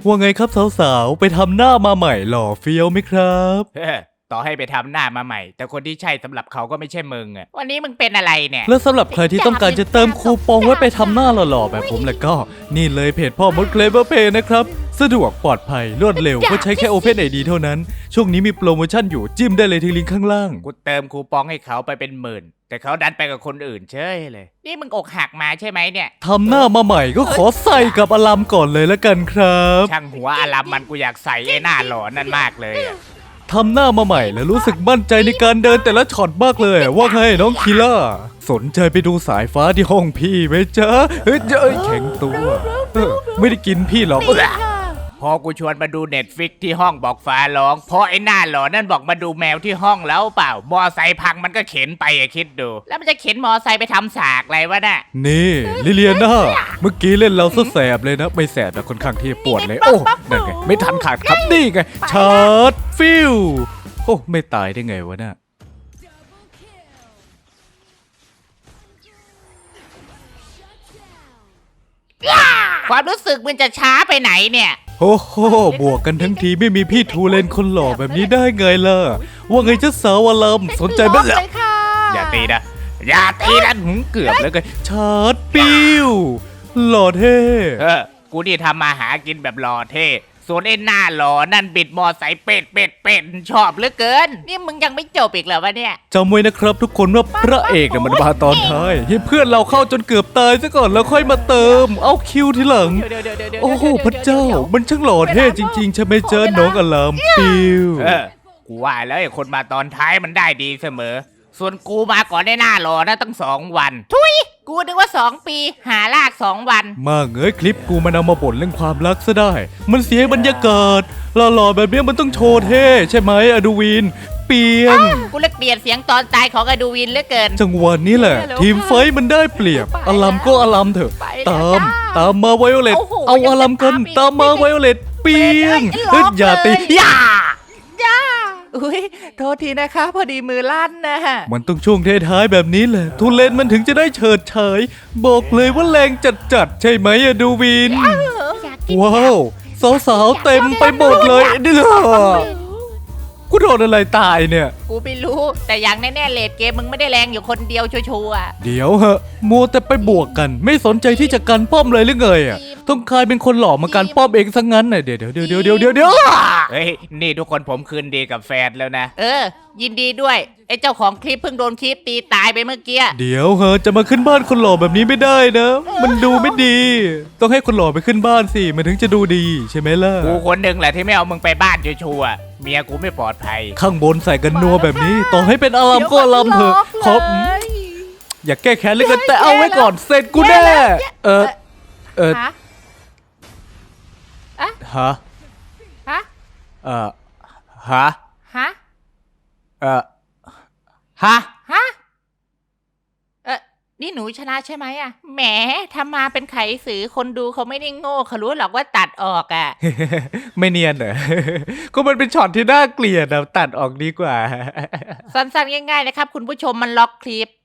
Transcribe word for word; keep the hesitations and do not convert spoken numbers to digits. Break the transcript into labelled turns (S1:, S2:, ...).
S1: ว่าไงครับสาวๆไปทำหน้ามาใหม่หล่อเฟี้ยวไหมครับ
S2: เออต่อให้ไปทำหน้ามาใหม่แต่คนที่ใช่สำหรับเขาก็ไม่ใช่มึงอ่ะวันนี้มึงเป็นอะไรเนี่ย
S1: แล้วสำหรับใครที่ต้องการจะเติมคูปองไว้ไปทำหน้าหล่อๆแบบผมแล้วก็นี่เลยเพจพ่อมดเคลเวอร์เพย์นะครับสะดวกปลอดภัยรวดเร็วก็ใช้แค่ Open ไอ ดี เท่านั้นช่วงนี้มีโปรโมชั่นอยู่จิ้มได้เลยที่ลิงก์ข้างล่าง
S2: กูเติมคูปองให้เขาไปเป็นหมื่นแต่เขาดันไปกับคนอื่นเฉยเลยนี่มึงอกหักมาใช่ไหมเนี่ย
S1: ทำหน้ามาใหม่ก็ขอใส่กับอลัมก่อนเลยละกันครับ
S2: ช่างหัวอารัมมันกูอยากใส่ไอ้หน้าหล่อนั่นมากเลยอะ
S1: ทำหน้ามาใหม่แล้วรู้สึกมั่นใจในการเดินแต่ละช็อตมากเลย ว่าไงน้องคีล่าสนใจไปดูสายฟ้าที่ห้องพี่ไหมจ๊ะเฮ้ยเอ้ยแข็งตัวเออไม่ได้กินพี่หรอก
S2: พอกูชวนมาดูเน็ตฟิกที่ห้องบอกฟ้าร้องเพราะไอ้หน้าหล่อนั่นบอกมาดูแมวที่ห้องแล้วเปล่ามอไซค์พังมันก็เข็นไปอะคิดดู แล้วมันจะเข็นมอไซค์ไปทำสากอะไรวะน่ะ
S1: นี่ลิเลียนาเมื่อกี้เล่นเราซะแสบเลยนะไม่แสบแต่ค่อนข้างที่ปวดเลยโอ้นั่นไงไม่ทันขาดครับนี่ไงชาร์จฟิวโอ้ไม่ตายได้ไงวะน่ะ
S2: ความรู้สึกมันจะช้าไปไหนเนี่ย
S1: โอ้โหบวกกันทั้งทีไม่มีพี่ทูเลนคนหล่อแบบนี้ได้ไงล่ะว่าไงเจ้าสาวอลัมสนใจไหมล่ะ
S2: อย่าตีนะอย่าตีนะหึเกือบแล้วกัน
S1: ชาร์จปิวหล่อเท่
S2: เออกูนี่ทำมาหากินแบบหล่อเท่ส่วนไอ้หน้าหล่อนั่นบิดมอไซค์เป็ดเป็ดเป็ดชอบเหลือเกิน นี่มึงยังไม่จบอีกเหรอวะเนี่ย
S1: จำไว้นะครับทุกคนว่าพระเอกเนี่ยมันมาตอนท้ายให้เพื่อนเราเข้าจนเกือบตายซะก่อนแล้วค่อยมาเติม เอาคิวทีหลัง โอ้โหพระเจ้า มันช่างหล่อเท่จริงๆใช่ไหมเจ้าน้องอลามปิว
S2: เออกูว่าแล้วไอ้คนมาตอนท้ายมันได้ดีเสมอ ส่วนกูมาก่อนได้หน้าหล่อนะตั้งสองวัน ทุยกูนึกว่าสองปีหาลากสองวัน
S1: มาเงยคลิปกูมันเอามาบ่นเรื่องความรักซะได้ มันเสียบรรยากาศหล่อๆแบบนี้มันต้องโชว์เท่ใช่ไหมอดูวิน เปียง
S2: กูเลิกเปลี่ยนเสียงตอนตายของอดูวินเหลือเกิน
S1: จังหวะนี้แหละ ทีมไฟท์มันได้เปรียบอลัมก็อลัมเถอะ ตาม ตามมาไวโอเลต
S2: โอ้โห
S1: เอาอลัมกัน
S2: ยังจะตามอีก
S1: ตามมาไวโอเลตเปียง
S2: ไอ้
S1: เฮ้ย
S2: ล็อก
S1: อย่าตี
S2: เลย
S1: อย่า
S2: จ้าอุ้ยโทษทีนะคะพอดีมือลั่นนะ
S1: มันต้องช่วงท้ายๆแบบนี้แหละทุเรนมันถึงจะได้เฉิดฉายบอกเลยว่าแรงจัดๆใช่ไหมอะดูวิน ว้าวสาวๆเต็มไปหมดเลยเด้อกูโดนอะไรตายเนี่ย
S2: กูไม่รู้แต่อย่างแน่ๆเลดเกมมึงไม่ได้แรงอยู่คนเดียวชัวร์ๆ
S1: เดี๋ยวเหอะมัวแต่ไปบวกกัน ไม่สนใจที่จะกันป้อมเลยหรือไงอ่ะต้องกลายเป็นคนหล่อมากันป้อมเองซะงั้นน่ะเดี๋ยวเดี๋ยวเดี๋ยวเดี๋ยวเดี๋ยวเดี๋ยว
S2: เฮ้ย นี่ทุกคนผมคืนดีกับแฟนแล้วนะ เออ ยินดีด้วย ไอ้เจ้าของคลิปเพิ่งโดนคลิปตีตายไปเมื่อกี้
S1: เดี๋ยวเหอะจะมาขึ้นบ้านคนหล่อแบบนี้ไม่ได้นะ มันดูไม่ดี ต้องให้คนหล่อไปขึ้นบ้านสิมันถึงจะดูดีใช่ไหมล่ะ
S2: กูคนหนึ่งแหละที่ไม่เอามึงไปบ้านชัวร์ๆเมียกูไม่ปลอดภัย
S1: ข้างบนใส่กันนัวแบบนี้ ต่อให้เป็นอารามก็อารามเถอะขออย่าแก้แค้นเลยกันแต่เอาไว้ก่อนเสร็จกูแน่เออเออ
S2: ฮะ
S1: ฮะ
S2: ฮะ
S1: เออฮะ
S2: ฮะ
S1: เออฮะ
S2: ฮะ เออนี่หนูชนะใช่ไหมอะแหมทำมาเป็นไขสือคนดูเขาไม่ได้โง่เขารู้หรอกว่าตัดออกอะ
S1: ไม่เนียนเหรอ ก็มันเป็นช็อตที่น่าเกลียดนะตัดออกดีกว่า
S2: สั้นๆง่ายๆนะครับคุณผู้ชมมันล็อกคลิป